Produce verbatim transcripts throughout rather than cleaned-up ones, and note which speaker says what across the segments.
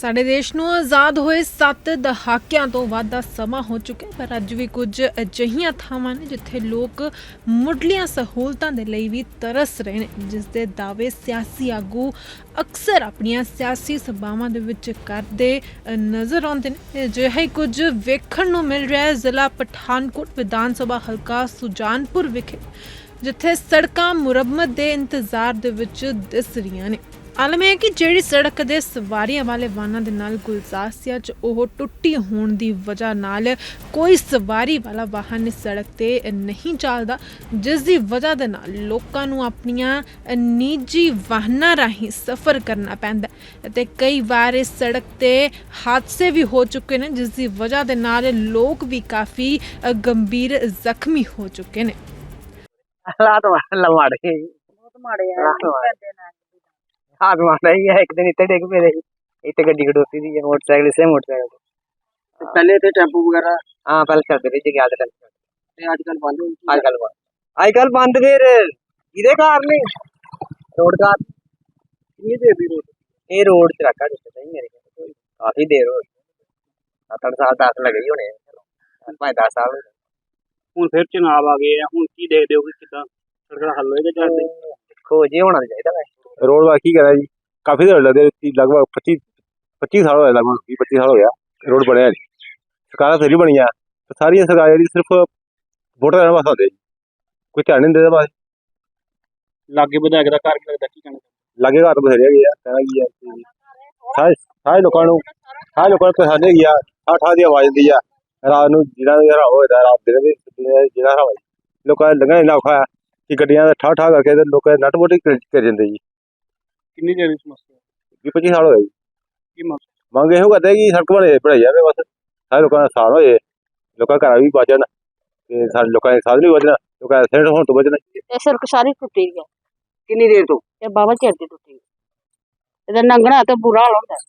Speaker 1: ਸਾਡੇ ਦੇਸ਼ ਨੂੰ ਆਜ਼ਾਦ ਹੋਏ ਸੱਤ ਦਹਾਕਿਆਂ ਤੋਂ ਵੱਧ ਦਾ ਸਮਾਂ ਹੋ ਚੁੱਕਿਆ, ਪਰ ਅੱਜ ਵੀ ਕੁਝ ਅਜਿਹੀਆਂ ਥਾਵਾਂ ਨੇ ਜਿੱਥੇ ਲੋਕ ਮੁੱਢਲੀਆਂ ਸਹੂਲਤਾਂ ਦੇ ਲਈ ਵੀ ਤਰਸ ਰਹੇ ਨੇ, ਜਿਸ ਦੇ ਦਾਅਵੇ ਸਿਆਸੀ ਆਗੂ ਅਕਸਰ ਆਪਣੀਆਂ ਸਿਆਸੀ ਸਭਾਵਾਂ ਦੇ ਵਿੱਚ ਕਰਦੇ ਨਜ਼ਰ ਆਉਂਦੇ ਨੇ। ਅਜਿਹਾ ਹੀ ਕੁਝ ਵੇਖਣ ਨੂੰ ਮਿਲ ਰਿਹਾ ਹੈ ਜ਼ਿਲ੍ਹਾ ਪਠਾਨਕੋਟ ਵਿਧਾਨ ਸਭਾ ਹਲਕਾ ਸੁਜਾਨਪੁਰ ਵਿਖੇ, ਜਿੱਥੇ ਸੜਕਾਂ ਮੁਰੰਮਤ ਦੇ ਇੰਤਜ਼ਾਰ ਦੇ ਵਿੱਚ ਦਿਸ ਰਹੀਆਂ ਨੇ। ਆਲਮ ਹੈ ਕਿ ਜਿਹੜੀ ਸੜਕ ਦੇ ਸਵਾਰੀਆਂ ਵਾਲੇ ਵਾਹਨਾਂ ਦੇ ਨਾਲ ਗੁਲਜ਼ਾਰਸੀਆ 'ਚ ਉਹ ਟੁੱਟੀ ਹੋਣ ਦੀ ਵਜ੍ਹਾ ਨਾਲ ਕੋਈ ਸਵਾਰੀ ਵਾਲਾ ਵਾਹਨ ਇਸ ਸੜਕ ਤੇ ਨਹੀਂ ਚੱਲਦਾ, ਜਿਸ ਦੀ ਵਜ੍ਹਾ ਦੇ ਨਾਲ ਲੋਕਾਂ ਨੂੰ ਆਪਣੀਆਂ ਨਿੱਜੀ ਵਾਹਨਾਂ ਰਾਹੀਂ ਸਫ਼ਰ ਕਰਨਾ ਪੈਂਦਾ ਅਤੇ ਕਈ ਵਾਰ ਇਸ ਸੜਕ ਤੇ ਹਾਦਸੇ ਵੀ ਹੋ ਚੁੱਕੇ ਨੇ, ਜਿਸ ਦੀ ਵਜ੍ਹਾ ਦੇ ਨਾਲ ਲੋਕ ਵੀ ਕਾਫੀ ਗੰਭੀਰ ਜ਼ਖਮੀ ਹੋ ਚੁੱਕੇ ਨੇ।
Speaker 2: हालात माड़े
Speaker 3: बहुत माड़े हैं
Speaker 2: हाथ माड़ा ही है। एक दिन इतने डिग पे रही, इतने गड्डी खड़ोती थी मोटरसाइकिल से मोटरसाइकिल
Speaker 3: पहले थे टेम्पो वगैरह।
Speaker 2: हाँ पहले चलते थे क्या चलते
Speaker 3: आजकल बंद हो
Speaker 2: आजकल बंद आजकल बंद फिर इधे कार नहीं रोड कार
Speaker 3: कितनी देर भी रोड
Speaker 2: ये रोड च रखा जिससे नहीं मेरे ख्याल काफी देर हो गई, सात आठ साल दस लगे ही होने पाँच दस साल
Speaker 3: ਹੁਣ ਫਿਰ ਚੁਣਾਵ ਆ ਗਏ ਆ, ਹੁਣ ਕੀ ਦੇਖਦੇ ਹੋ ਕਿ ਕਿੱਦਾਂ ਸੜਕ ਦਾ ਹੱਲ ਹੋਏਗਾ ਜਾਂ
Speaker 2: देखो जी होना चाहिए वैसे
Speaker 4: रोड का की करा जी काफी देर लगे लगभग पच्चीस पच्चीस साल हो गए, लगभग बीस पच्चीस साल हो गया रोड बने सरकार फिर बनी है, सारी सरकार जी सिर्फ वोटर लेने वास्ते आते जी, कोई ध्यान नहीं देता बस।
Speaker 3: ਲਾਗੇ ਵਿਧਾਇਕ ਦਾ ਘਰ ਕੀ ਲੱਗਦਾ, ਕੀ ਕਹਿਣਾ
Speaker 4: लागे घर बथेरे गए कहना की है सारे सारे लोगों को सारे लोगों को परेशानी हैगी आ, ठा ठा दी आवाज आती है रात ਨੂੰ ਜਿਹੜਾ ਵੀ ਹਰਾ ਹੋਇਆ ਰਾਤ ਦੇ ਵੀ ਜਿਹੜਾ ਹਰਾ ਲੋਕਾਂ ਦਾ ਲੰਘਣਾ ਇੰਨਾ ਔਖਾ ਹੈ ਕਿ ਗੱਡੀਆਂ ਦਾ ਠਾ ਠਾ ਕਰਕੇ ਤੇ ਲੋਕਾਂ ਦੇ ਨੱਟ ਮੋਟੀ ਕਰ ਜਾਂਦੇ ਜੀ।
Speaker 3: ਕਿੰਨੀ ਦੇਰ ਦੀ ਸਮੱਸਿਆ
Speaker 4: ਵੀਹ ਪੱਚੀ ਸਾਲ ਹੋ ਗਏ ਜੀ।
Speaker 3: ਕੀ ਮੰਗ
Speaker 4: ਮੰਗ ਇਹੋ ਕਰਦੇ ਕਿ ਸੜਕ ਬਣੇ ਬਣਾਈ ਜਾਵੇ, ਬਸ ਸਾਰੇ ਲੋਕਾਂ ਦਾ ਆਸਾਨ ਹੋਏ, ਲੋਕਾਂ ਘਰਾਂ ਵੀ ਬਚਣ ਤੇ ਸਾਡੇ ਲੋਕਾਂ ਦੇ ਸਾਧਨ ਵੀ ਬਚਣ, ਲੋਕਾਂ ਦੇ ਐਕਸੀਡੈਂਟ ਹੋਣ ਤੋਂ ਬਚਣ।
Speaker 5: ਇਹ ਸੜਕ ਸਾਰੀ ਟੁੱਟੀ ਹੈ,
Speaker 2: कितनी देर तो
Speaker 5: ਇਹ ਬਾਬਾ ਚਿਰ ਦੀ ਟੁੱਟੀ ਇਹਦਾ ਲੰਘਣਾ ਤੇ ਬੁਰਾ ਹਾਲ ਹੁੰਦਾ।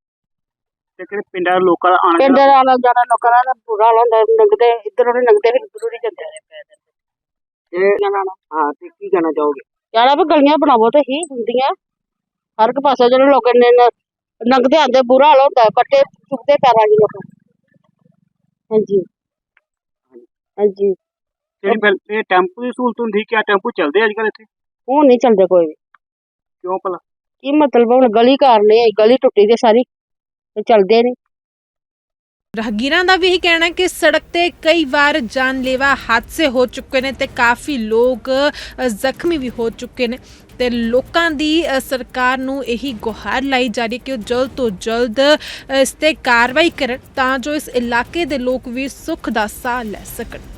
Speaker 3: ਤੇ ਕਿਹੜੇ ਪਿੰਡਾਂ ਦੇ ਲੋਕਾਂ ਦਾ ਆਣ
Speaker 5: ਪਿੰਡ ਵਾਲਾ ਜਾਣਾ ਲੋਕਾਂ ਦਾ ਬੁਰਾ ਹਾਲ ਹੁੰਦਾ, ਲੰਘਦੇ ਇੱਧਰ ਉਹਨੇ ਲੰਘਦੇ ਫਿਰ ਇੱਧਰ ਹੀ ਜਾਂਦੇ ਨੇ ਪੈਦਲ।
Speaker 2: हाँ तो की कहना चाहोगे?
Speaker 5: ਯਾਰਾ ਵੀ ਗਲੀਆਂ ਬਣਾਵੋ ਤੇ ਹੀ ਹੁੰਦੀਆਂ ਹਰ ਇੱਕ ਪਾਸੇ ਜਿਹੜੇ ਲੋਕ ਨੇ ਲੰਘਦੇ ਆਂਦੇ ਬੁਰਾ ਹਾਲ ਹੁੰਦਾ, ਕੱਟੇ ਚੁੱਕਦੇ ਪੈਰਾਂ ਦੇ ਲੋਕ। ਹਾਂਜੀ ਹਾਂਜੀ
Speaker 3: ਜਿਹੜੀ ਪਹਿਲੇ ਟੈਂਪੂ ਦੀ ਸਹੂਲਤ ਹੁੰਦੀ, ਕਿਆ ਟੈਂਪੂ ਚੱਲਦੇ ਅੱਜ ਕੱਲ੍ਹ ਇੱਥੇ?
Speaker 5: ਹੁਣ ਨਹੀਂ ਚੱਲਦੇ ਕੋਈ ਵੀ।
Speaker 3: ਕਿਉਂ ਭਲਾ?
Speaker 5: ਕੀ ਮਤਲਬ ਹੁਣ ਗਲੀ ਘਰ ਨੇ, ਗਲੀ ਟੁੱਟੀ ਤੇ ਸਾਰੀ ਚੱਲਦੇ ਨਹੀਂ।
Speaker 1: ਰਾਹਗੀਰਾਂ ਦਾ ਵੀ ਇਹੀ ਕਹਿਣਾ ਹੈ ਕਿ ਸੜਕ ਤੇ ਕਈ ਵਾਰ ਜਾਨਲੇਵਾ ਹਾਦਸੇ ਹੋ ਚੁੱਕੇ ਨੇ ਤੇ ਕਾਫੀ ਲੋਕ ਜ਼ਖਮੀ ਵੀ ਹੋ ਚੁੱਕੇ ਨੇ ਤੇ ਲੋਕਾਂ ਦੀ ਸਰਕਾਰ ਨੂੰ ਇਹੀ ਗੁਹਾਰ ਲਾਈ ਜਾ ਰਹੀ ਹੈ ਕਿ ਉਹ ਜਲਦ ਤੋਂ ਜਲਦ ਇਸ ਤੇ ਕਾਰਵਾਈ ਕਰਨ ਤਾਂ ਜੋ ਇਸ ਇਲਾਕੇ ਦੇ ਲੋਕ ਵੀ ਸੁੱਖ ਦਾ ਸਾਹ ਲੈ ਸਕਣ।